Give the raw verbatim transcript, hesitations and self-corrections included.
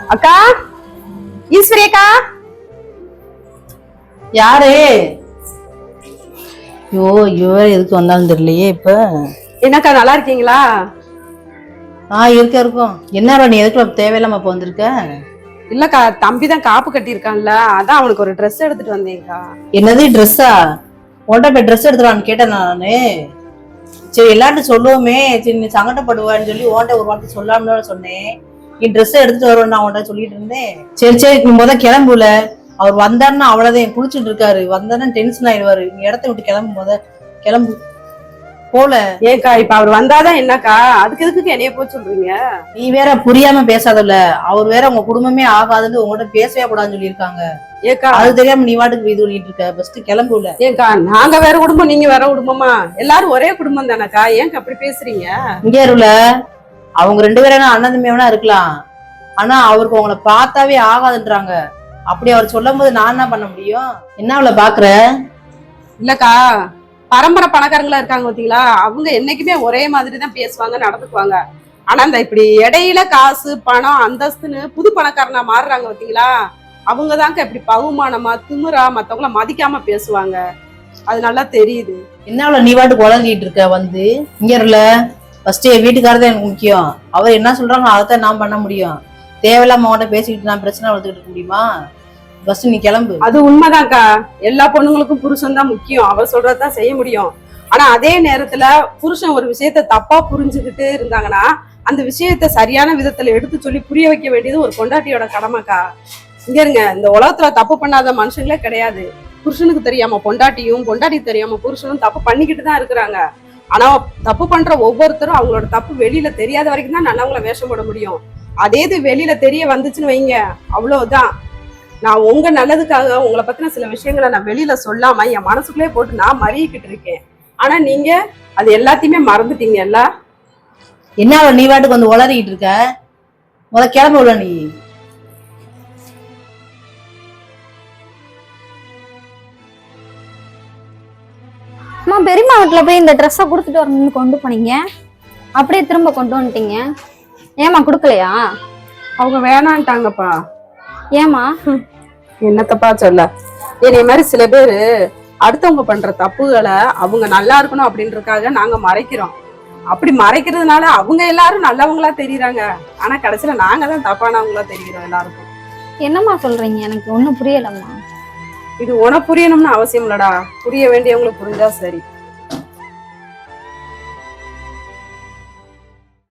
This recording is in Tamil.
அக்கா, ஈஸ்வரி அக்கா. யாரு? ஐயோ ஐயோ எதுக்கு வந்தாலும் தெரியலையே. இப்ப என்னக்கா நல்லா இருக்கீங்களா? ஆஹ் இருக்க இருக்கும். என்ன நீ எதுக்கு தேவையில்லாம இப்ப வந்திருக்க? இல்லக்கா, தம்பி தான் காப்பு கட்டி இருக்கான்ல, அதான் அவனுக்கு ஒரு ட்ரெஸ் எடுத்துட்டு வந்தேன்க்கா. என்னது ட்ரெஸ்ஸா? உன்கிட்ட போய் ட்ரெஸ் எடுத்துருவான்னு கேட்டேன் நானு. சரி எல்லார்ட்டும் சொல்லுவோமே, சரி நீ சங்கடப்படுவான்னு சொல்லி உன்கிட்ட ஒரு வார்த்தை சொல்லாமனு சொன்னேன். நீ ட்ரெஸ் எடுத்துட்டு வருவேன் நான் உன்கிட்ட சொல்லிட்டு இருந்தேன். சரி சரி முத கிளம்புல. அவர் வந்தாருன்னா அவ்வளவுதான், குளிச்சுட்டு இருக்காரு. வந்தாருன்னா டென்ஷன் ஆயிடுவாரு. நீ இடத்த விட்டு கிளம்பு, முத கிளம்பு போல. ஏக்கா, இப்ப அவர் வந்தாதான் என்னக்கா, அதுக்கு எதுக்கு என்னைய போய் சொல்றீங்க? நீ வேற புரியாம பேசாதல்ல. அவர் வேற உங்க குடும்பமே ஆகாதுன்னு உங்ககிட்ட பேசவே கூடாதுன்னு சொல்லியிருக்காங்க. ஏக்கா, அது தெரியாம நீ வாட்டுக்கு இது பண்ணிட்டு இருக்க. ஃபர்ஸ்ட் கிளம்புல. ஏக்கா, நாங்க வேற குடும்பம், நீங்க வேற குடும்பமா? எல்லாரும் ஒரே குடும்பம் தானக்கா, ஏங்க அப்படி பேசுறீங்க? இங்க இருல, அவங்க ரெண்டு பேரும் அண்ணன் தம்பியா இருக்கலாம். ஆனா அவருக்கு உங்களை பார்த்தாவே ஆகாதுன்றாங்க. அப்படி அவர் சொல்லும் போது நான் என்ன பண்ண முடியும்? என்ன அவளை பாக்குற? இல்லக்கா, பரம்பரை பணக்காரங்களா இருக்காங்க பாத்தீங்களா, அவங்க என்னைக்குமே ஒரே மாதிரி தான் பேசுவாங்க, நடந்துக்குவாங்க. ஆனா இந்த இப்படி இடையில காசு பணம் அந்தஸ்துன்னு புது பணக்காரனா மாறுறாங்க பாத்தீங்களா, அவங்கதாங்க இப்படி பகுமானமா திமிரா மத்தவங்கள மதிக்காம பேசுவாங்க. அது நல்லா தெரியுது. என்ன அவளை நீ வாட்டு குழஞ்சிட்டு இருக்க வந்து? இங்க இருல, ஃபர்ஸ்ட் என் வீட்டுக்காரதான் எனக்கு முக்கியம். அவர் என்ன சொல்றாங்க அதைத்தான் நான் பண்ண முடியும். தேவையில்லாம அவங்கள்ட்ட பேசிக்கிட்டு நான் பிரச்சனை வளர்த்துக்கிட்டு இருக்க முடியுமா? ஃபர்ஸ்ட் நீ கிளம்பு. அது உண்மைதான்க்கா, எல்லா பொண்ணுங்களுக்கும் புருஷன் தான் முக்கியம், அவர் சொல்றதுதான் செய்ய முடியும். ஆனா அதே நேரத்துல புருஷன் ஒரு விஷயத்த தப்பா புரிஞ்சுக்கிட்டு இருந்தாங்கன்னா அந்த விஷயத்த சரியான விதத்துல எடுத்து சொல்லி புரிய வைக்க வேண்டியது ஒரு பொண்டாட்டியோட கடமைக்கா. இங்க இருங்க, இந்த உலகத்துல தப்பு பண்ணாத மனுஷங்களே கிடையாது. புருஷனுக்கு தெரியாம பொண்டாட்டியும், பொண்டாட்டி தெரியாம புருஷனும் தப்பு பண்ணிக்கிட்டு தான் இருக்கிறாங்க. ஆனா தப்பு பண்ற ஒவ்வொருத்தரும் அவங்களோட தப்பு வெளியில தெரியாத வரைக்கும் தான் நல்லவங்களை வேஷம் போட முடியும். அதே இது வெளியில தெரிய வந்துச்சுன்னு வைங்க, அவ்வளவுதான். நான் உங்க நல்லதுக்காக உங்களை பத்தின சில விஷயங்களை நான் வெளியில சொல்லாம என் மனசுக்குள்ளே போட்டு நான் மறியிக்கிட்டு இருக்கேன். ஆனா நீங்க அது எல்லாத்தையுமே மறந்துட்டீங்கல்ல. என்ன அவளை நீ வாட்டுக்கு வந்து உளறிக்கிட்டு இருக்க? முத கிளம்பு உள்ள நீ. அம்மா, பெரியம்மா வீட்டுல போய் இந்த ட்ரெஸ்ஸை கொடுத்துட்டு வரணும்னு கொண்டு போனீங்க, அப்படியே திரும்ப கொண்டு வந்துட்டீங்க. ஏமா கொடுக்கலையா? அவங்க வேணான்ட்டாங்கப்பா. ஏமா? என்னத்தப்பா சொல்ல, இதே மாதிரி சில பேரு அடுத்தவங்க பண்ற தப்புகளை அவங்க நல்லா இருக்கணும் அப்படின்றதுக்காக நாங்க மறைக்கிறோம். அப்படி மறைக்கிறதுனால அவங்க எல்லாரும் நல்லவங்களா தெரியுறாங்க, ஆனா கடைசியில நாங்க தான் தப்பானவங்களா தெரிகிறோம் எல்லாருக்கும். என்னம்மா சொல்றீங்க? எனக்கு ஒண்ணும் புரியலம்மா. இது உனக்கு புரியணும்னு அவசியம் இல்லடா, புரிய வேண்டியவங்களுக்கு புரிஞ்சா சரி.